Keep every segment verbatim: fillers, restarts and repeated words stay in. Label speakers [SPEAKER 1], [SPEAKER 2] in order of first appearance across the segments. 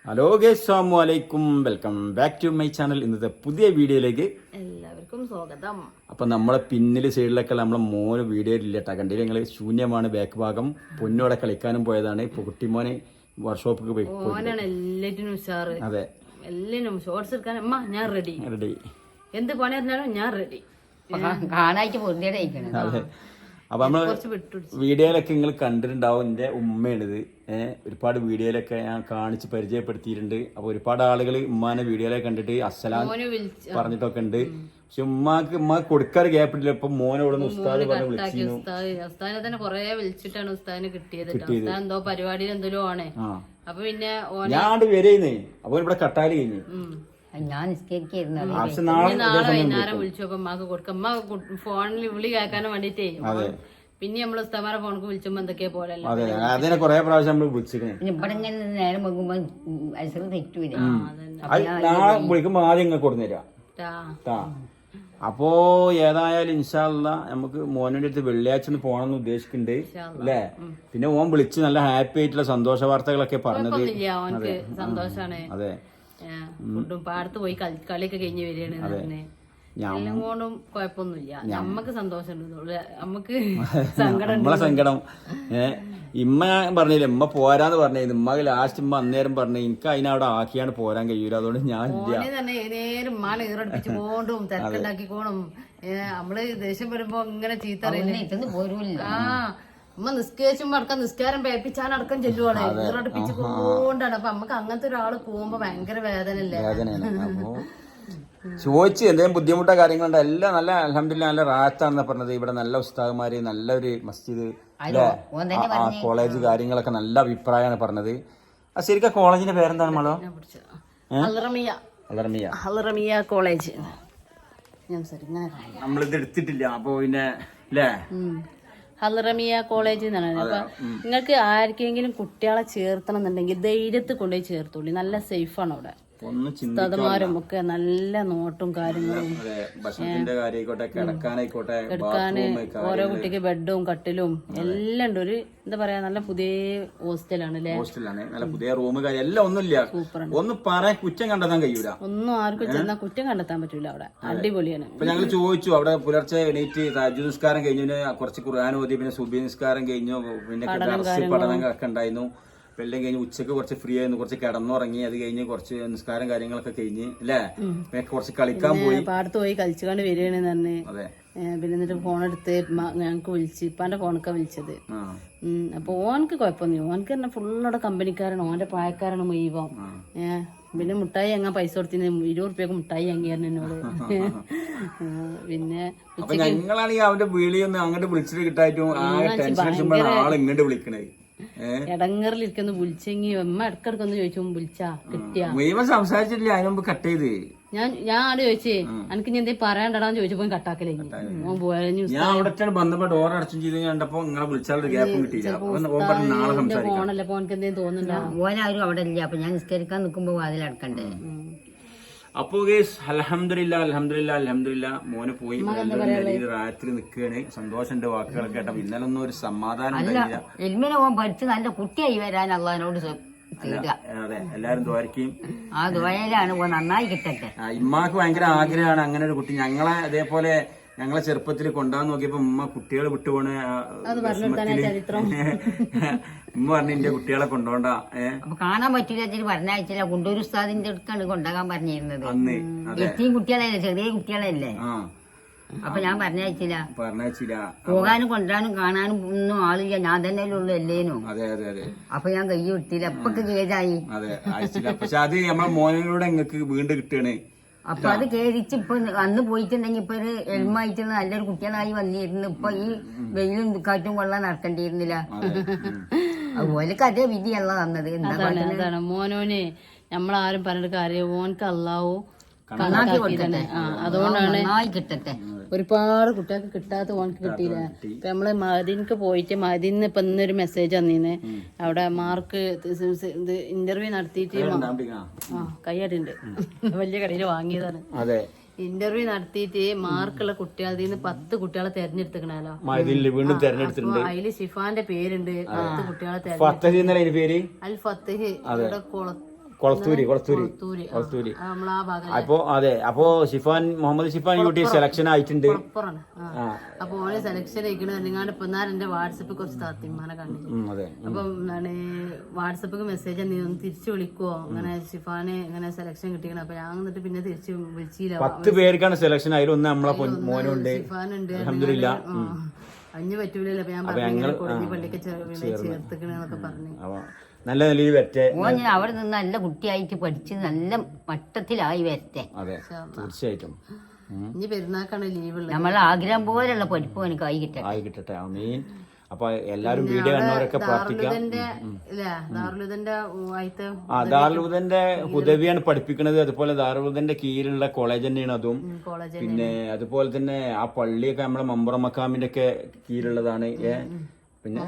[SPEAKER 1] Hello guys, അസ്സലാമു അലൈക്കും. Welcome back to my channel. ഇന്നത്തെ പുതിയ വീഡിയോയിലേക്ക്
[SPEAKER 2] എല്ലാവർക്കും സ്വാഗതം.
[SPEAKER 1] അപ്പൊ നമ്മളെ പിന്നില് സൈഡിലൊക്കെ നമ്മളെ മോന് വീഡിയോയിലില്ല കേട്ടോ. കണ്ടില്ല ഞങ്ങള് ശൂന്യമാണ് ബാക്ക് ഭാഗം. പൊന്നോടെ കളിക്കാനും പോയതാണ്. ഇപ്പൊ കുട്ടിമോനെ വർക്ക്ഷോപ്പിക്ക് പോയി.
[SPEAKER 2] ഓനാണ് എല്ലാറ്റിനും ഉഷാറ്.
[SPEAKER 1] അതെ,
[SPEAKER 2] എല്ലാനും ഷോർട്സ് എടുക്കാൻ അമ്മ ഞാൻ റെഡി
[SPEAKER 1] റെഡി.
[SPEAKER 2] എന്ത് പണി അറിഞ്ഞാലും ഞാൻ റെഡി.
[SPEAKER 3] കാണായിട്ട് പൊറുതിയുടെ
[SPEAKER 1] അതെ. അപ്പൊ നമ്മള് വീഡിയോയിലൊക്കെ നിങ്ങൾ കണ്ടിട്ടുണ്ടാവും. എന്റെ ഉമ്മയാണിത്. ഏഹ് ഒരുപാട് വീഡിയോയിലൊക്കെ ഞാൻ കാണിച്ച് പരിചയപ്പെടുത്തിയിട്ടുണ്ട്. അപ്പൊ ഒരുപാട് ആളുകൾ ഉമ്മാനെ വീഡിയോയിലൊക്കെ കണ്ടിട്ട് അസ്സലാം പറഞ്ഞിട്ടൊക്കെ ഉണ്ട്. പക്ഷെ ഉമ്മാക്ക് ഉമ്മാക്ക് കൊടുക്കാറ് ഗ്യാപ്പിട്ടില്ല. ഇപ്പൊ മോനോട് ഉസ്താദ് പറഞ്ഞ് വിളിച്ചിരുന്നു.
[SPEAKER 2] ഉസ്താദിനെ തന്നെ കൊറേ വിളിച്ചിട്ടാണ് ഉസ്താദിനെ കിട്ടിയത്. ഉസ്താദ് എന്തോ പരിപാടിയിൽ എന്തെങ്കിലും ആണ്. അപ്പൊ പിന്നെ
[SPEAKER 1] ഞാൻ വരേന്നേ. അപ്പൊ ഇവിടെ കട്ടാല് കഴിഞ്ഞു.
[SPEAKER 3] ഞാൻ നിസ്കരിക്കുന്നു.
[SPEAKER 2] നാളെ വൈകുന്നേരം വിളിച്ചപ്പോ ഉമ്മാക്ക് കൊടുക്കാം. ഉമ്മ ഫോണിൽ വിളി കേൾക്കാനും വേണ്ടിട്ടേ. പിന്നെ നമ്മള് ഉസ്താമാരെ ഫോണിക്ക് വിളിച്ചുമ്പോ എന്തൊക്കെയാ പോലല്ലോ.
[SPEAKER 1] അതിനെ കൊറേ പ്രാവശ്യം നമ്മള് വിളിച്ചിരുന്നു.
[SPEAKER 3] ഇവിടെ ഇങ്ങനെ നേരം വെക്കുമ്പോ അയസറ് തെറ്റൂല.
[SPEAKER 1] നാളെ വിളിക്കുമ്പോ ആദ്യം ഇങ്ങനെ കൊടുന്നേരാ. അപ്പോ ഏതായാലും ഇൻഷാ അല്ലാ നമുക്ക് മോനോന്റെ അടുത്ത് വെള്ളിയാഴ്ച ഒന്ന് പോകണമെന്ന് ഉദ്ദേശിക്കുന്നുണ്ട് അല്ലേ. പിന്നെ ഓൻ വിളിച്ച് നല്ല ഹാപ്പി ആയിട്ടുള്ള സന്തോഷ വാർത്തകളൊക്കെ പറഞ്ഞത്.
[SPEAKER 2] സന്തോഷാണ്.
[SPEAKER 1] അതെ,
[SPEAKER 2] ഫുഡും പാടത്ത് പോയി കളിയൊക്കെ കഴിഞ്ഞ് വരികയാണ്. എല്ലാം കൊണ്ടും കുഴപ്പമൊന്നുമില്ല. നമ്മക്ക് സന്തോഷമുണ്ട്. നമുക്ക് സങ്കടം
[SPEAKER 1] നമ്മളെ സങ്കടം ഏഹ് ഇമ്മ ഞാൻ പറഞ്ഞില്ല, ഇമ്മ പോരാന്ന് പറഞ്ഞിരുന്നു. ഇമ്മ ലാസ്റ്റ് ഇമ്മ അന്നേരം പറഞ്ഞു എനിക്ക് അതിനവിടെ ആക്കിയാണ് പോരാൻ കഴിയൂല, അതുകൊണ്ട് ഞാൻ
[SPEAKER 2] തന്നെ നേരം മാല ഈറടിപ്പിച്ച് പോണ്ടും തിരക്കുണ്ടാക്കിക്കോണം. നമ്മള് ദേഷ്യം വരുമ്പോ ഇങ്ങനെ ചീത്ത ആ ഉമ്മ നിസ്കരിച്ചുമ്പോ അടക്കം നിസ്കാരം പേപ്പിച്ചാൻ അടക്കം ചെല്ലുവാണ്. ഈറടിപ്പിച്ച് കൊണ്ടാണ്. അപ്പൊ നമുക്ക് അങ്ങനത്തെ ഒരാള് പോകുമ്പോ ഭയങ്കര വേദനല്ലേ.
[SPEAKER 1] ചോദിച്ച് എന്തെങ്കിലും ബുദ്ധിമുട്ടോ കാര്യങ്ങളുണ്ടോ എല്ലാം നല്ല അൽഹംദുലില്ലാ നല്ല റാഹത്താണെന്ന് പറഞ്ഞത്. ഇവിടെ നല്ല ഉസ്താദുമാര്, നല്ലൊരു മസ്ജിദ്, കോളേജ് കാര്യങ്ങളൊക്കെ നല്ല അഭിപ്രായമാണ് പറഞ്ഞത്. ആ ശരിക്കും കോളേജിന്റെ പേരെന്താണ് മോളോ?
[SPEAKER 2] അൽറമിയ കോളേജ്.
[SPEAKER 1] നമ്മളിത് എടുത്തിട്ടില്ല. അപ്പൊ പിന്നെ അല്ലേ
[SPEAKER 2] അൽറമിയ കോളേജ് എന്നാണ്. അപ്പൊ നിങ്ങൾക്ക് ആർക്കെങ്കിലും കുട്ടികളെ ചേർത്തണം എന്നുണ്ടെങ്കിൽ ധൈര്യത്തിൽ കൊണ്ടുപോയി ചേർത്തോളി. നല്ല സേഫാണ് അവിടെ. ഉസ്താദുമാരും ഒക്കെ നല്ല നോട്ടും കാര്യങ്ങളും. കിടക്കാന് ഓരോ കുട്ടിക്ക് ബെഡും കട്ടിലും എല്ലാം ഉണ്ട്. ഒരു എന്താ പറയാ നല്ല പുതിയ ഹോസ്റ്റലാണ് അല്ലേ.
[SPEAKER 1] ഹോസ്റ്റലാണ് നല്ല പുതിയ റൂം എല്ലാം. ഒന്നുമില്ല, ഒന്നും പറയാൻ കുറ്റം കണ്ടെത്താൻ കഴിയൂല.
[SPEAKER 2] ഒന്നും ആർക്കും ചെന്നാൽ കുറ്റം കണ്ടെത്താൻ പറ്റൂല. അവിടെ അടിപൊളിയാണ്.
[SPEAKER 1] ഇപ്പൊ ഞങ്ങൾ ചോദിച്ചു അവിടെ പുലർച്ചെ എണീറ്റ് തഹജ്ജുദ് നിസ്കാരം കഴിഞ്ഞു, കുറച്ച് ഖുർആൻ ഓതി, പിന്നെ സുബ്ഹി നിസ്കാരം കഴിഞ്ഞു, പിന്നെ പഠനങ്ങളൊക്കെ ഉണ്ടായിരുന്നു. എല്ലാം കഴിഞ്ഞ് ഉച്ചക്ക് കുറച്ച് ഫ്രീ ആയിരുന്നു, കുറച്ച് കിടന്നുറങ്ങി. അത് കഴിഞ്ഞ് കുറച്ച് നിസ്കാരം കാര്യങ്ങളൊക്കെ കഴിഞ്ഞ് അല്ലേ കുറച്ച് കളിക്കാൻ പോയി.
[SPEAKER 2] പാടത്ത് പോയി കളിച്ചുകൊണ്ട് വരികയാണെന്ന് തന്നെ. പിന്നെ എന്നിട്ട് ഫോണെടുത്ത് ഞങ്ങക്ക് വിളിച്ച് ഇപ്പാന്റെ ഫോണൊക്കെ വിളിച്ചത്. അപ്പൊ ഓനക്ക് കുഴപ്പമൊന്നുമില്ല. ഓനക്ക് തന്നെ ഫുള്ളോടെ കമ്പനിക്കാരാണ്. ഓന്റെ പ്രായക്കാരാണ് മുഴുവൻ. ഏഹ് പിന്നെ മുട്ടായി അങ്ങാൻ പൈസ കൊടുത്തിന് ഇരുപത് റുപ്യക്ക് മുട്ടായി അങ്ങായിരുന്നു എന്നോട്. പിന്നെ
[SPEAKER 1] ഞങ്ങളാണെങ്കിൽ അവന്റെ വീളിയൊന്നും അങ്ങോട്ട് വിളിച്ചിട്ട് കിട്ടായിട്ടും ആള് ഇങ്ങോട്ട് വിളിക്കണേ.
[SPEAKER 2] ഇടങ്ങറിലിരിക്കുന്നു. വിളിച്ചെങ്കി അമ്മ ഇടക്കിടക്കൊന്ന് ചോദിച്ചു വിളിച്ചാ കിട്ടിയാ
[SPEAKER 1] മുഴുവൻ സംസാരിച്ചിട്ടില്ല. അതിന് മുമ്പ് കട്ട് ചെയ്ത്
[SPEAKER 2] ഞാൻ ഞാൻ ആട് ചോദിച്ചേ എനിക്ക് ഇനി എന്തേ പറയാണ്ടടാന്ന് ചോദിച്ചപ്പോ കട്ടാക്കലേ.
[SPEAKER 1] ഞാൻ അവിടെ ബന്ധപ്പെട്ട് ഡോർ അടച്ചും ചെയ്ത് കണ്ടപ്പോ നിങ്ങളെ വിളിച്ചാൽ ഗ്യാപ്പും കിട്ടിയില്ല.
[SPEAKER 2] ഫോണല്ലേ അപ്പൊ എനിക്ക് എന്തേലും തോന്നുന്നുണ്ടോ?
[SPEAKER 3] ഓനാരും അവിടെ ഇല്ല. അപ്പൊ ഞാൻ നിസ്കരിക്കാൻ നിൽക്കുമ്പോ വാതിലടക്കണ്ടേ.
[SPEAKER 1] അപ്പൊ അൽഹംദുലില്ലാ അൽഹംദുലില്ലാ അൽഹംദുലില്ലാ മോന് പോയി രാത്രി നിൽക്കുകയാണ്. സന്തോഷന്റെ വാക്കുകളൊക്കെ കേട്ടപ്പോ ഇന്നലെ ഒന്നും ഒരു സമാധാനം ഉണ്ടായില്ല.
[SPEAKER 3] എൽമിനെ പോകാൻ പഠിച്ച് നല്ല കുട്ടിയായി വരാൻ അള്ളഹാനോട്
[SPEAKER 1] അതെ എല്ലാരും ദ്വാരക്കും.
[SPEAKER 3] ആ ദ്വാരയിലാണ് നന്നായി കിട്ടട്ടെ.
[SPEAKER 1] ഇമ്മാക്ക് ഭയങ്കര ആഗ്രഹമാണ് അങ്ങനെ ഒരു കുട്ടി. ഞങ്ങളെ അതേപോലെ ഞങ്ങളെ ചെറുപ്പത്തിൽ കൊണ്ടുപോകാൻ നോക്കിയപ്പോ ഉമ്മ കുട്ടികളെ വിട്ടുപോണ്. ഉമ്മ പറഞ്ഞു എന്റെ കുട്ടികളെ കൊണ്ടോണ്ട.
[SPEAKER 3] അപ്പൊ കാണാൻ പറ്റില്ല പറഞ്ഞയച്ചില്ല. കൊണ്ടൂർ ഉസ്താദിന്റെ അടുക്കാണ് കൊണ്ടുപോകാൻ പറഞ്ഞിരുന്നത്. എത്തിയും കുട്ടികളല്ലേ, ചെറിയ കുട്ടികളല്ലേ. അപ്പൊ ഞാൻ പറഞ്ഞയച്ചില്ല.
[SPEAKER 1] പറഞ്ഞയച്ചില്ല.
[SPEAKER 3] പോകാനും കൊണ്ടുവരാനും കാണാനും ഒന്നും ആളില്ല. ഞാൻ തന്നെ ഉള്ളു അല്ലേനു.
[SPEAKER 1] അതെ അതെ അതെ.
[SPEAKER 3] അപ്പൊ ഞാൻ കൈ വിട്ടില്ല. എപ്പൊക്കെ കേടായി.
[SPEAKER 1] അതെ അയച്ചില്ല. പക്ഷെ അത് നമ്മളെ മോനിലൂടെ നിങ്ങൾക്ക് വീണ്ടും കിട്ടുകയാണ്.
[SPEAKER 3] അപ്പൊ അത് കേരിച്ച് ഇപ്പൊ അന്ന് പോയിട്ടുണ്ടെങ്കിൽ ഇപ്പൊ ഒരു എൽമായിട്ട് നല്ലൊരു കുട്ടികളായി വന്നിരുന്നു. ഇപ്പൊ ഈ വെയിലും കാറ്റും കൊള്ളാൻ നടക്കേണ്ടിയിരുന്നില്ല. അതുപോലൊക്കെ അതേ വിധിയല്ല തന്നത്.
[SPEAKER 2] എന്താണ് മോനോനെ നമ്മളാരും പറഞ്ഞിട്ട് കാര്യം. ഓനക്ക് അല്ലാവോ
[SPEAKER 3] അതുകൊണ്ടാണ് കിട്ടട്ടെ.
[SPEAKER 2] ഒരുപാട് കുട്ടികൾക്ക് കിട്ടാത്ത ഓനക്ക് കിട്ടിയില്ല. ഇപ്പൊ നമ്മള് മദീനക്ക് പോയിട്ട് മദീന്ന് ഇപ്പൊ ഇന്നൊരു മെസ്സേജ് വന്നീന്ന്. അവിടെ മാർക്ക് ഇത് ഇന്റർവ്യൂ നടത്തിയിട്ട് ആ കയ്യാട്ടുണ്ട് വലിയ കടയിൽ വാങ്ങിയതാണ്. ഇന്റർവ്യൂ നടത്തിയിട്ട് മാർക്കുള്ള കുട്ടികളിൽ നിന്ന് പത്ത് കുട്ടികളെ തെരഞ്ഞെടുത്തിക്കണല്ലോ. അതില് ഷിഫാന്റെ പേരുണ്ട്. പത്ത് കുട്ടികളെ തെരഞ്ഞെടുത്തു. അൽ ഫത്തഹ് ഇവിടെ
[SPEAKER 1] കൊളത്തൂര് കൊളത്തൂര്
[SPEAKER 2] തൂര്
[SPEAKER 1] കൊളത്തൂര്
[SPEAKER 2] നമ്മളാ ഭാഗം
[SPEAKER 1] അപ്പൊ അതെ അപ്പൊ ഷിഫാൻ മുഹമ്മദ് ഷിഫാൻ യൂട്ടി സെലക്ഷൻ ആയിട്ടുണ്ട്.
[SPEAKER 2] അപ്പുറാണ്. അപ്പൊ ഓനെ സെലക്ഷൻ ആയിക്കണ നിങ്ങാണ്ട് ഇപ്പൊ എന്നാലും എന്റെ വാട്സപ്പിൽ കുറച്ച് താത്തിമാനെ കണ്ടില്ല.
[SPEAKER 1] ഉം, അതെ
[SPEAKER 2] അപ്പം എന്താണ് വാട്സപ്പിൽ മെസ്സേജ് നീ ഒന്ന് തിരിച്ചു വിളിക്കുവോ അങ്ങനെ ഷിഫാന് ഇങ്ങനെ സെലക്ഷൻ കിട്ടിക്കണം. അപ്പൊ ഞാൻ എന്നിട്ട് പിന്നെ തിരിച്ചു വിളിച്ചില്ല.
[SPEAKER 1] പത്ത് പേർക്കാണ് സെലക്ഷൻ ആയാലും ഒന്ന് നമ്മളെ മോനുണ്ട്
[SPEAKER 2] ഷിഫാനുണ്ട്
[SPEAKER 1] അൽഹംദുലില്ലാ.
[SPEAKER 2] അഞ്ഞു പറ്റൂലല്ലോ. അപ്പൊ ഞാൻ പറഞ്ഞു കൊടിഞ്ഞി പള്ളിക്ക് ചേർത്തിക്കണെന്നൊക്കെ പറഞ്ഞു.
[SPEAKER 1] അപ്പൊ നല്ല നിലയിൽ വരട്ടെ.
[SPEAKER 3] ഓൻ ഞാൻ അവിടെ നിന്ന് നല്ല കുട്ടിയായിട്ട് പഠിച്ച് നല്ല മട്ടത്തിലായി വരട്ടെ.
[SPEAKER 1] അതെ തീർച്ചയായിട്ടും.
[SPEAKER 2] ഇനി പെരുന്നാക്കാണ് ലീവ് ഉള്ളത്.
[SPEAKER 3] നമ്മളെ ആഗ്രഹം പോലെയുള്ള പഠിപ്പ് എനിക്ക് ആയി കിട്ടട്ടെ.
[SPEAKER 1] ആയി കിട്ടട്ടെ ആമീൻ. അപ്പൊ എല്ലാരും വീഡിയോ കണ്ടവരൊക്കെ പ്രാർത്ഥിക്കാം. ആ ദാറുലുദന്റെ ഹുദവിയാണ് പഠിപ്പിക്കുന്നത്. അതുപോലെ ദാറുലുദന്റെ കീഴിലുള്ള കോളേജ് തന്നെയാണ് അതും. പിന്നെ അതുപോലെ തന്നെ ആ പള്ളിയൊക്കെ നമ്മളെ മമ്പുറം മക്കാമിന്റെ ഒക്കെ കീഴിലുള്ളതാണ്. ഏ പിന്നെ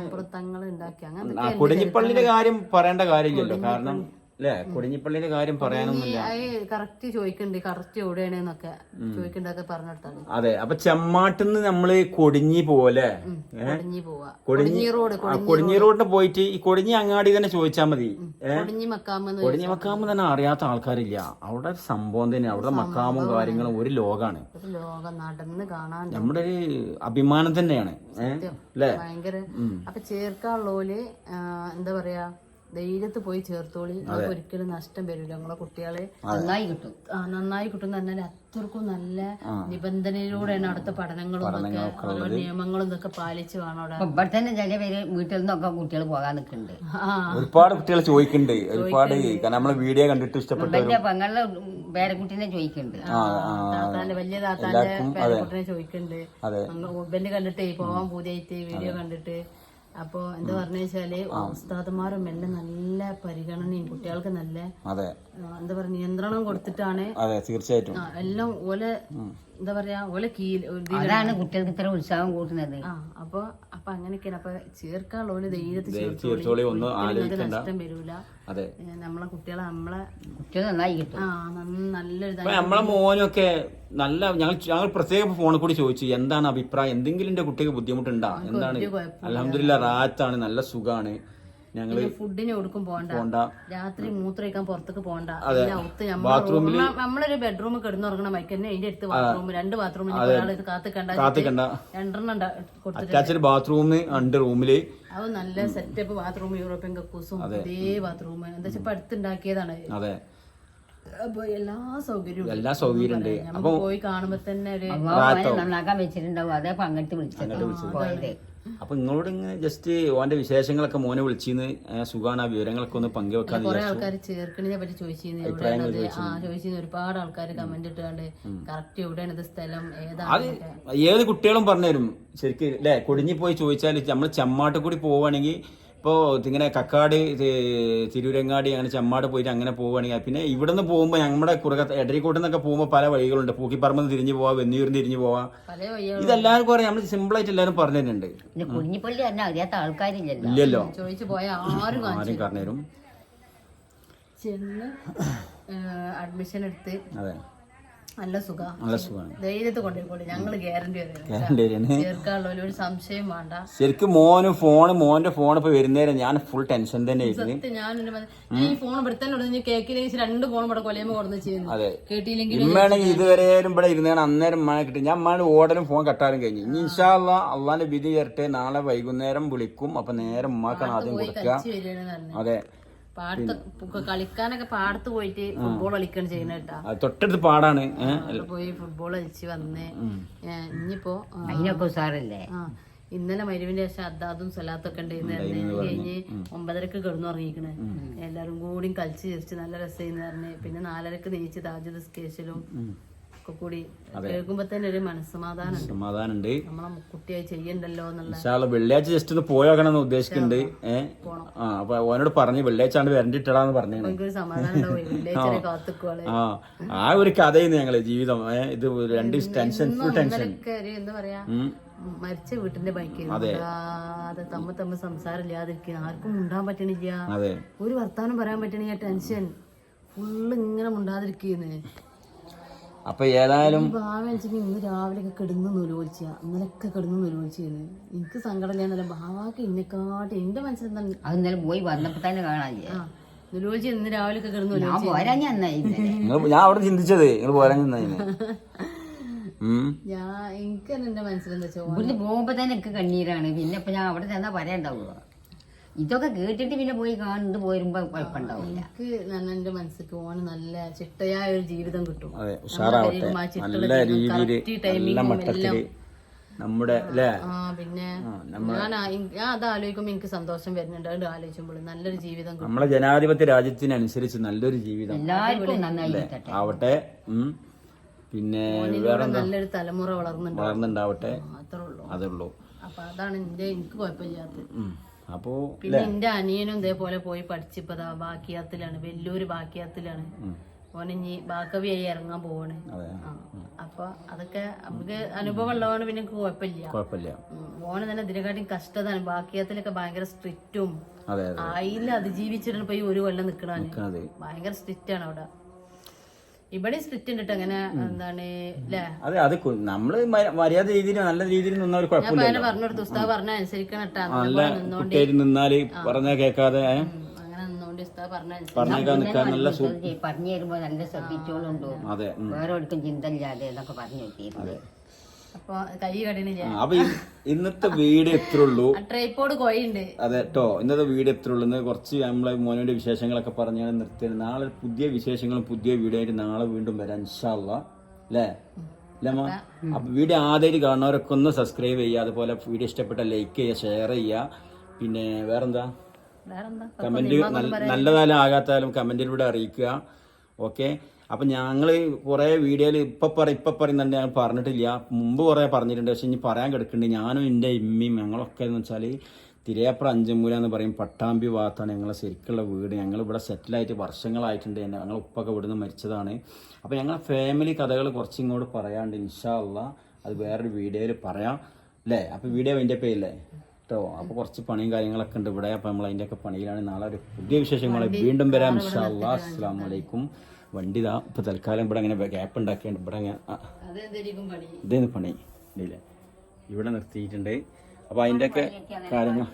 [SPEAKER 1] ആ കൊടിഞ്ഞിപ്പള്ളിയുടെ കാര്യം പറയേണ്ട കാര്യമില്ലല്ലോ. കാരണം അല്ലെ കൊടിഞ്ഞിപ്പള്ളിയുടെ കാര്യം പറയാനൊന്നുമില്ല.
[SPEAKER 2] കറക്റ്റ് ചോദിക്കണ്ട് കറക്റ്റ് എവിടെയാണെന്നൊക്കെ ചോദിക്കണ്ടൊക്കെ പറഞ്ഞെടുത്താണ്.
[SPEAKER 1] അതെ അപ്പൊ ചെമ്മാട്ടിന്ന് നമ്മള് കൊടിഞ്ഞി പോലെ
[SPEAKER 2] കൊടിഞ്ഞി പോവാ.
[SPEAKER 1] കൊടിഞ്ഞി റോഡ് കൊടിഞ്ഞി റോഡിന് പോയിട്ട് ഈ കൊടിഞ്ഞി അങ്ങാടി തന്നെ ചോദിച്ചാൽ മതി.
[SPEAKER 2] കൊടിഞ്ഞി മക്കാമ്
[SPEAKER 1] കൊടിഞ്ഞി മക്കാമ് തന്നെ അറിയാത്ത ആൾക്കാരില്ല. അവിടെ ഒരു സംഭവം തന്നെ. അവിടെ മക്കാമും കാര്യങ്ങളും ഒരു ലോകാണ്.
[SPEAKER 2] ലോകം നടന്ന് കാണാൻ
[SPEAKER 1] നമ്മുടെ ഒരു അഭിമാനം തന്നെയാണ്. അല്ലേ
[SPEAKER 2] ഭയങ്കര. അപ്പൊ ചേർക്കാനുള്ളോല് എന്താ പറയാ ധൈര്യത്ത് പോയി ചേർത്തോളി. നമുക്ക് ഒരിക്കലും നഷ്ടം വരില്ല. നമ്മളെ കുട്ടികളെ
[SPEAKER 3] നന്നായി കിട്ടും.
[SPEAKER 2] ആ നന്നായി കിട്ടും പറഞ്ഞാൽ അത്രക്കും നല്ല നിബന്ധനയിലൂടെയാണ് അവിടുത്തെ പഠനങ്ങളും ഒക്കെ ഓരോ നിയമങ്ങളും ഇതൊക്കെ പാലിച്ച് വേണം അവിടെ.
[SPEAKER 3] ഇവിടെ തന്നെ ചില പേര് വീട്ടിൽ നിന്നൊക്കെ കുട്ടികൾ പോകാൻ നിൽക്കുന്നുണ്ട്.
[SPEAKER 1] ഒരുപാട് കുട്ടികൾ ചോദിക്കുന്നുണ്ട്. ഒരുപാട് നമ്മളെ വീഡിയോ കണ്ടിട്ട് ഇഷ്ടപ്പെട്ടു.
[SPEAKER 3] എന്റെ പെങ്ങളുടെ പേരക്കുട്ടീനെ ചോദിക്കുന്നുണ്ട്.
[SPEAKER 2] താത്താന്റെ വലിയ താത്താന്റെ പേരക്കുട്ടിനെ ചോദിക്കുന്നുണ്ട്. ഉബന്റെ കണ്ടിട്ടേ പോവാൻ പൂതിയായിട്ട് വീഡിയോ കണ്ടിട്ട്. അപ്പൊ എന്താ പറഞ്ഞു വെച്ചാല് ഉസ്താദുമാരും എല്ലാം നല്ല പരിഗണനയും കുട്ടികൾക്ക് നല്ല എന്താ പറയാ നിയന്ത്രണം കൊടുത്തിട്ടാണ്.
[SPEAKER 1] തീർച്ചയായിട്ടും
[SPEAKER 2] എല്ലാം ഓലെ എന്താ പറയാ ഓലെ കീഴിൽ
[SPEAKER 3] അതാണ് കുട്ടികൾക്ക് ഇത്ര ഉത്സാഹം കൂട്ടുന്നത്.
[SPEAKER 2] ആ അപ്പൊ അപ്പൊ അങ്ങനെയൊക്കെയാണ്. അപ്പൊ ചേർക്കാനുള്ള ഓല് ധൈര്യത്തിൽ നഷ്ടം വരൂല. നമ്മളെ കുട്ടികളെ നമ്മളെ
[SPEAKER 3] കുട്ടികൾ നന്നായി കിട്ടും.
[SPEAKER 2] ആ നല്ലൊരു
[SPEAKER 1] നമ്മളെ മോനൊക്കെ നല്ല ഞങ്ങൾ ഞങ്ങൾ പ്രത്യേക ഫോണിൽ കൂടി ചോദിച്ചു എന്താണ് അഭിപ്രായം, എന്തെങ്കിലും എന്റെ കുട്ടിക്ക് ബുദ്ധിമുട്ടുണ്ടാ, എന്താണ്. അൽഹംദുലില്ലാ റാഹത്താണ്, നല്ല സുഖാണ്. ഞങ്ങള്
[SPEAKER 2] ഫുഡിന് കൊടുക്കും പോണ്ട, രാത്രി മൂത്രമൊഴിക്കാൻ പുറത്തേക്ക് പോണ്ട.
[SPEAKER 1] ബാത്റൂമിൽ
[SPEAKER 2] നമ്മളൊരു ബെഡ്റൂം കിടന്നുറങ്ങണം ബൈക്ക് തന്നെ. അതിന്റെ അടുത്ത് ബാത്റൂം, രണ്ട് ബാത്റൂം കാത്തിക്കണ്ട രണ്ടെണ്ണം
[SPEAKER 1] അറ്റാച്ച്ഡ് ബാത്റൂം ഉണ്ട് റൂമില്.
[SPEAKER 2] അത് നല്ല സെറ്റപ്പ് ബാത്റൂം, യൂറോപ്യൻ കക്കൂസും അതേ ബാത്റൂം. എന്താ വെച്ചാൽ ഇപ്പൊ അടുത്തുണ്ടാക്കിയതാണ്.
[SPEAKER 1] അതെ
[SPEAKER 2] അപ്പൊ എല്ലാ സൗകര്യവും
[SPEAKER 1] എല്ലാ സൗകര്യം ഉണ്ട്.
[SPEAKER 2] അപ്പൊ പോയി കാണുമ്പോ തന്നെ ഒരു
[SPEAKER 3] നന്നാക്കാൻ വെച്ചിട്ടുണ്ടാവും. അതേ പങ്കെടുത്ത് വിളിച്ചത്.
[SPEAKER 1] അപ്പൊ നിങ്ങളോട് ഇങ്ങനെ ജസ്റ്റ് ഓന്റെ വിശേഷങ്ങളൊക്കെ മോനെ വിളിച്ചിന്ന് സുഖാണ്, ആ വിവരങ്ങളൊക്കെ ഒന്ന് പങ്കുവെക്കാൻ.
[SPEAKER 2] കുറെ ആൾക്കാർ ചേർക്കണിനെ പറ്റി ചോദിച്ചിരുന്നു. ചോദിച്ചിരുന്നു ഒരുപാട് ആൾക്കാർ കമന്റ് ഇട്ടാണ്ട് കറക്റ്റ് എവിടെയാണ് ഇത് സ്ഥലം ഏതാണ്.
[SPEAKER 1] ഏത് കുട്ടികളും പറഞ്ഞുതരും ശരിക്കും അല്ലെ. കൊടിഞ്ഞി പോയി ചോദിച്ചാൽ നമ്മൾ ചെമ്മാട്ട് കൂടി പോവുകയാണെങ്കിൽ ഇപ്പോൾ ഇങ്ങനെ കക്കാട് തിരൂരങ്ങാടി അങ്ങനെ ചെമ്മാട് പോയിട്ട് അങ്ങനെ പോവുകയാണെങ്കിൽ, പിന്നെ ഇവിടെ നിന്ന് പോകുമ്പോൾ നമ്മുടെ കുറുക എടരിക്കോട്ടിൽ നിന്നൊക്കെ പോകുമ്പോൾ പല വഴികളുണ്ട്. പൂക്കിപ്പറമ്പ് തിരിഞ്ഞു പോവാം, വെന്നിയൂരിന് തിരിഞ്ഞു പോവാം. ഇതെല്ലാവർക്കും അറിയാം. നമ്മൾ സിമ്പിളായിട്ട് എല്ലാവരും പറഞ്ഞു തരുന്നുണ്ട്. ഇല്ലല്ലോ
[SPEAKER 2] ചോദിച്ചു പോയാൽ ആരും
[SPEAKER 1] ആരും പറഞ്ഞുതരും.
[SPEAKER 2] ചെന്ന് അഡ്മിഷൻ എടുത്ത്
[SPEAKER 1] അതെ
[SPEAKER 2] നല്ല സുഖം,
[SPEAKER 1] നല്ല സുഖമാണ്.
[SPEAKER 2] ധൈര്യത്തെ കൊണ്ടുപോയി ഞങ്ങള് ഗ്യാരണ്ടി ചേർക്കാനുള്ള ഒരു സംശയം വേണ്ട.
[SPEAKER 1] ശരിക്കും മോന് ഫോണ് മോന്റെ ഫോൺ ഇപ്പൊ വരുന്നേരം ഞാൻ ഫുൾ ടെൻഷൻ തന്നെ
[SPEAKER 2] ആയിരുന്നു. ഞാൻ ഈ ഫോൺ ഇവിടെ തന്നെ കേക്കിലേക്ക് രണ്ട് ഫോൺ ഇവിടെ കൊലയുമ്പോ കൊടുന്ന് ചെയ്യുന്നു. കേട്ടില്ലെങ്കിൽ
[SPEAKER 1] ഇമ്മാണെങ്കിൽ ഇതുവരെയും ഇവിടെ ഇരുന്നാണ് അന്നേരം മഴ കിട്ടും. ഞാൻ അമ്മാണ് ഓടലും ഫോൺ കട്ടാലും കഴിഞ്ഞു. ഇനി ഇൻഷാ അല്ലാ അള്ളാന്റെ വിധി ചേർട്ടെ നാളെ വൈകുന്നേരം വിളിക്കും. അപ്പൊ നേരം ഉമ്മാക്കാണ് ആദ്യം കൊടുക്കുക. അതെ
[SPEAKER 2] പാടത്ത് കളിക്കാനൊക്കെ പാടത്ത് പോയിട്ട് ഫുട്ബോൾ കളിക്കാൻ ചെയ്യുന്ന കേട്ടാ.
[SPEAKER 1] തൊട്ടടുത്ത് പാടാണ്.
[SPEAKER 2] പോയി ഫുട്ബോൾ കളിച്ച് വന്ന് ഇനിയിപ്പോ
[SPEAKER 3] അതിനൊക്കെ ഉസാറല്ലേ.
[SPEAKER 2] ആ ഇന്നലെ മരുവിന്റെ ശേഷം അദ്ദാദും സലാത്തൊക്കെ ഉണ്ടായിരുന്നു. കഴിഞ്ഞ് ഒമ്പതരക്ക് കിടന്നു ഇറങ്ങിക്കണേ. എല്ലാരും കൂടി കളിച്ച് ചിരിച്ച് നല്ല രസമായിരുന്നു പറഞ്ഞ്. പിന്നെ നാലരക്ക് നീച്ച് താജുദ് സ്കേഷലും ഒക്കെ കൂടി കേൾക്കുമ്പോ തന്നെ ഒരു മനസ്സമാധാനം സമാധാനുണ്ട്. നമ്മളെ കുട്ടിയായി ചെയ്യണ്ടല്ലോ എന്നുള്ള.
[SPEAKER 1] വെള്ളിയാഴ്ച ജസ്റ്റ് ഒന്ന് പോയോക്കണമെന്ന് ഉദ്ദേശിക്കുന്നുണ്ട്. ഏഹ് ആ അപ്പൊ ഓനോട് പറഞ്ഞു വെള്ളിയാഴ്ച ആണ് വരണ്ടിട്ടാന്ന് പറഞ്ഞു. ആ ആ ഒരു കഥയെന്ന് ഞങ്ങള് ജീവിതം. ഇത് രണ്ട് ടെൻഷൻ ഫുൾ ടെൻഷൻ.
[SPEAKER 2] എന്താ പറയാ മരിച്ച വീട്ടിന്റെ ബൈക്ക് അത് തമ്മ തമ്മ സംസാരം ഇല്ലാതിരിക്കുക, ആർക്കും മുണ്ടാൻ പറ്റണില്ല, ഒരു വർത്താനം പറയാൻ പറ്റണില്ല. ടെൻഷൻ ഫുള്ള് ഇങ്ങനെ മുണ്ടാതിരിക്കുന്നേ.
[SPEAKER 1] അപ്പൊ ഏതായാലും
[SPEAKER 2] ഭാവ ഇന്ന് രാവിലെ ഒക്കെ കിടന്ന് നൂലോളിച്ച ഇന്നലൊക്കെ കിടന്ന് നൂലോളിച്ചിരുന്നു. എനിക്ക് സങ്കടം ഇല്ല. ഭാവാക്ക് ഇന്നെക്കാട്ടി എന്റെ മനസ്സിലെന്താ
[SPEAKER 3] അത് ഇന്നലെ പോയി വന്നപ്പോ തന്നെ കാണാനില്ല.
[SPEAKER 2] നുലോജി ഇന്ന് രാവിലെ ഒക്കെ കിടന്നു
[SPEAKER 3] ഞാൻ പോരാ ഞാൻ
[SPEAKER 1] നിങ്ങൾ ഞാൻ അവിടെ ചിന്തിച്ചത് നിങ്ങൾ പോരാൻ നിന്നതിന്
[SPEAKER 2] ഞാൻ എനിക്ക് തന്നെ എന്റെ മനസ്സിലെന്താ വെച്ചാൽ
[SPEAKER 3] ഇവിടുന്ന് പോകുമ്പോ തന്നെ എനിക്ക് കണ്ണീരാണ് പിന്നെ ഇപ്പൊ ഞാൻ അവിടെ ചെന്നാ പറയാണ്ടാവുക ഇതൊക്കെ കേട്ടിട്ട് പിന്നെ പോയി കാണുന്നത് പോരുമ്പോ കുഴപ്പമുണ്ടാവില്ല.
[SPEAKER 2] എനിക്ക് തന്നെ എന്റെ മനസ്സിക്ക് ഓന് നല്ല ചിട്ടയായ ഒരു ജീവിതം കിട്ടും.
[SPEAKER 1] അതെ ഉഷാറാവട്ടെ നല്ല രീതിയിൽ മട്ടത്തില് നമ്മുടെ അല്ലേ.
[SPEAKER 2] ആ പിന്നെ ഞാൻ ഞാൻ അത് ആലോചിക്കുമ്പോ എനിക്ക് സന്തോഷം വരുന്നുണ്ട്. അത് ആലോചിക്കുമ്പോൾ നല്ലൊരു ജീവിതം കിട്ടും.
[SPEAKER 1] നമ്മളെ ജനാധിപത്യ രാജ്യത്തിനനുസരിച്ച് നല്ലൊരു ജീവിതം
[SPEAKER 3] എല്ലാവർക്കും നന്നായി
[SPEAKER 1] ആവട്ടെ. പിന്നെ വേറെ
[SPEAKER 2] നല്ലൊരു തലമുറ
[SPEAKER 1] വളർന്നുണ്ടാവട്ടെ.
[SPEAKER 2] അത്രേ ഉള്ളൂ
[SPEAKER 1] അതേ ഉള്ളൂ.
[SPEAKER 2] അപ്പൊ അതാണ് എന്റെ എനിക്ക് കുഴപ്പമില്ലാത്തത്.
[SPEAKER 1] അപ്പോ
[SPEAKER 2] പിന്നെ എന്റെ അനിയനും ഇതേപോലെ പോയി പഠിച്ചപ്പോ ബാക്കിയാത്തിലാണ്, വലിയൊരു ബാക്കിയാത്തിലാണ്. ഓനിഞ്ഞി ബാക്കവിയായി ഇറങ്ങാൻ പോവാണ്. അപ്പൊ അതൊക്കെ നമുക്ക് അനുഭവം ഉള്ളതാണ്. പിന്നെ കുഴപ്പമില്ല
[SPEAKER 1] കുഴപ്പമില്ല.
[SPEAKER 2] ഓന് തന്നെ ഇതിനെക്കാട്ടും കഷ്ടതാണ്. ബാക്കിയാത്തിലൊക്കെ ഭയങ്കര സ്ട്രിക്റ്റും അതിൽ അതിജീവിച്ചിട്ടാണ് ഇപ്പൊ ഈ ഒരു കൊല്ലം നിക്കണാണ്. ഭയങ്കര സ്ട്രിക്റ്റ് ആണ് അവിടെ. ഇവിടെ സ്ട്രിക്റ്റ് ഉണ്ട് അങ്ങനെ എന്താണ് അല്ലേ.
[SPEAKER 1] അതെ അത് നമ്മള് മര്യാദ രീതിയിൽ നല്ല രീതിയിൽ നിന്നാൽ കുഴപ്പമില്ല.
[SPEAKER 2] പറഞ്ഞെടുത്ത് ഉസ്താദ് പറഞ്ഞ അനുസരിക്കണം കേട്ടാ.
[SPEAKER 1] നിന്നാല് പറഞ്ഞാ കേൾക്കാതെ
[SPEAKER 2] അങ്ങനെ നിന്നോണ്ട് ഉസ്താദ് പറഞ്ഞ
[SPEAKER 1] പറഞ്ഞേക്കാൻ നിൽക്കാൻ നല്ല
[SPEAKER 3] പറഞ്ഞു തരുമ്പോ നല്ല ശ്രദ്ധിച്ചോളുണ്ടോ.
[SPEAKER 1] അതെ
[SPEAKER 3] വേറെ ഒരിക്കലും ചിന്ത ഇല്ലാതെ എന്നൊക്കെ പറഞ്ഞു വെച്ചിരുന്നു.
[SPEAKER 2] അപ്പൊ കൈ കടണില്ല.
[SPEAKER 1] അപ്പൊ ഇന്നത്തെ വീഡിയോ എത്ര ഉള്ളൂ.
[SPEAKER 2] ട്രൈപ്പോഡ് കോയുണ്ട്.
[SPEAKER 1] അതെ കേട്ടോ ഇന്നത്തെ വീഡിയോ എത്ര ഉള്ളൂ. കുറച്ച് നമ്മളെ മോനോന്റെ വിശേഷങ്ങളൊക്കെ പറഞ്ഞാണ് നിർത്തിയത്. നാളെ പുതിയ വിശേഷങ്ങളും പുതിയ വീഡിയോ ആയിട്ട് നാളെ വീണ്ടും വരാം ഇൻഷാ അല്ലാ അല്ലേ അല്ലേമ്മ. അപ്പൊ വീഡിയോ ആദ്യമായിട്ട് കാണുന്നവരൊക്കെ ഒന്ന് സബ്സ്ക്രൈബ് ചെയ്യുക. അതുപോലെ വീഡിയോ ഇഷ്ടപ്പെട്ട ലൈക്ക് ചെയ്യുക, ഷെയർ ചെയ്യുക. പിന്നെ വേറെന്താ കമന്റ് നല്ലതായാലും ആകാത്തായാലും കമന്റിലൂടെ അറിയിക്കുക. ഓക്കെ. അപ്പം ഞങ്ങൾ കുറേ വീഡിയോയിൽ ഇപ്പം പറ ഇപ്പം പറയുന്നുണ്ട്. ഞാൻ പറഞ്ഞിട്ടില്ല, മുമ്പ് കുറേ പറഞ്ഞിട്ടുണ്ട്. പക്ഷെ ഇനി പറയാൻ കിടക്കുന്നുണ്ട്. ഞാനും എൻ്റെ ഇമ്മയും ഞങ്ങളൊക്കെ എന്ന് വെച്ചാൽ തിരയപ്പുറം അഞ്ചുമൂല എന്ന് പറയും പട്ടാമ്പി ഭാഗത്താണ് ഞങ്ങളെ ശരിക്കുള്ള വീട്. ഞങ്ങളിവിടെ സെറ്റിലായിട്ട് വർഷങ്ങളായിട്ടുണ്ട്. ഞങ്ങൾ ഉപ്പൊക്കെ ഇവിടുന്ന് മരിച്ചതാണ്. അപ്പോൾ ഞങ്ങളെ ഫാമിലി കഥകൾ കുറച്ച് ഇങ്ങോട്ട് പറയാണ്ട് ഇൻഷാ അല്ലാ അത് വേറൊരു വീഡിയോയിൽ പറയാം അല്ലേ. അപ്പോൾ വീഡിയോ അതിൻ്റെ പേരില്ലേ കേട്ടോ. അപ്പോൾ കുറച്ച് പണിയും കാര്യങ്ങളൊക്കെ ഉണ്ട് ഇവിടെ. അപ്പോൾ നമ്മൾ അതിൻ്റെയൊക്കെ പണിയിലാണ്. നാളെ ഒരു പുതിയ വിശേഷങ്ങൾ വീണ്ടും വരാം ഇൻഷാ അല്ലാ. അസ്സലാമു അലൈക്കും. വണ്ടി ഇതാ ഇപ്പൊ തൽക്കാലം ഇവിടെ അങ്ങനെ ഗ്യാപ്പ് ഉണ്ടാക്കിയുണ്ട്. ഇവിടെ ഇതേന്ന് പണി ഇല്ലേ ഇവിടെ നിർത്തിയിട്ടുണ്ട്. അപ്പൊ അതിൻ്റെയൊക്കെ കാര്യങ്ങൾ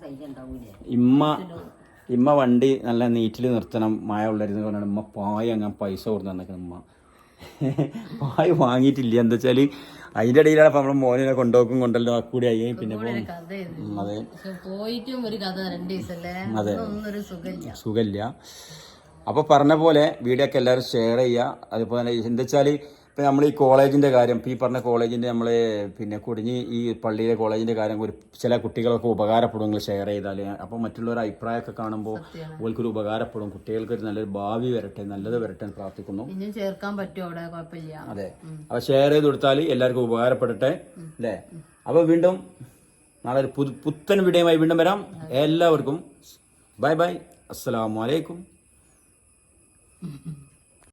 [SPEAKER 1] ഇമ്മ ഇമ്മ വണ്ടി നല്ല നീറ്റിൽ നിർത്തണം. മഴ ഉള്ളായിരുന്നു പറഞ്ഞാൽ ഉമ്മ പായ അങ്ങനെ പൈസ കൊടുത്ത് തന്നേക്കണം. ഉമ്മ പായ വാങ്ങിയിട്ടില്ല. എന്താ വെച്ചാല് അതിന്റെ ഇടയിലാണ് നമ്മൾ മോനെ കൊണ്ടുപോക്കും കൊണ്ടല്ലോ കൂടി ആയി. പിന്നെ അതെ അതെ സുഖമില്ല. അപ്പോൾ പറഞ്ഞ പോലെ വീഡിയോ ഒക്കെ എല്ലാവരും ഷെയർ ചെയ്യുക. അതുപോലെ എന്താ വെച്ചാൽ ഇപ്പം നമ്മൾ ഈ കോളേജിൻ്റെ കാര്യം ഇപ്പം ഈ പറഞ്ഞ കോളേജിൻ്റെ നമ്മൾ പിന്നെ കുടിഞ്ഞ് ഈ പള്ളിയിലെ കോളേജിൻ്റെ കാര്യം ഒരു ചില കുട്ടികളൊക്കെ ഉപകാരപ്പെടും നിങ്ങൾ ഷെയർ ചെയ്താൽ. അപ്പോൾ മറ്റുള്ളവരുടെ അഭിപ്രായമൊക്കെ കാണുമ്പോൾ ഓൾക്കൊരു ഉപകാരപ്പെടും. കുട്ടികൾക്ക് ഒരു നല്ലൊരു ഭാവി വരട്ടെ, നല്ലത് വരട്ടെ എന്ന് പ്രാർത്ഥിക്കുന്നു.
[SPEAKER 2] ചേർക്കാൻ പറ്റും അവിടെ കുഴപ്പമില്ല.
[SPEAKER 1] അതെ അപ്പോൾ ഷെയർ ചെയ്ത് കൊടുത്താൽ എല്ലാവർക്കും ഉപകാരപ്പെടട്ടെ അല്ലേ. അപ്പോൾ വീണ്ടും നാളെ ഒരു പുതു പുത്തൻ വീഡിയോയുമായി വീണ്ടും വരാം. എല്ലാവർക്കും ബൈ ബൈ. അസ്സലാമു അലൈക്കും. Mm-hmm.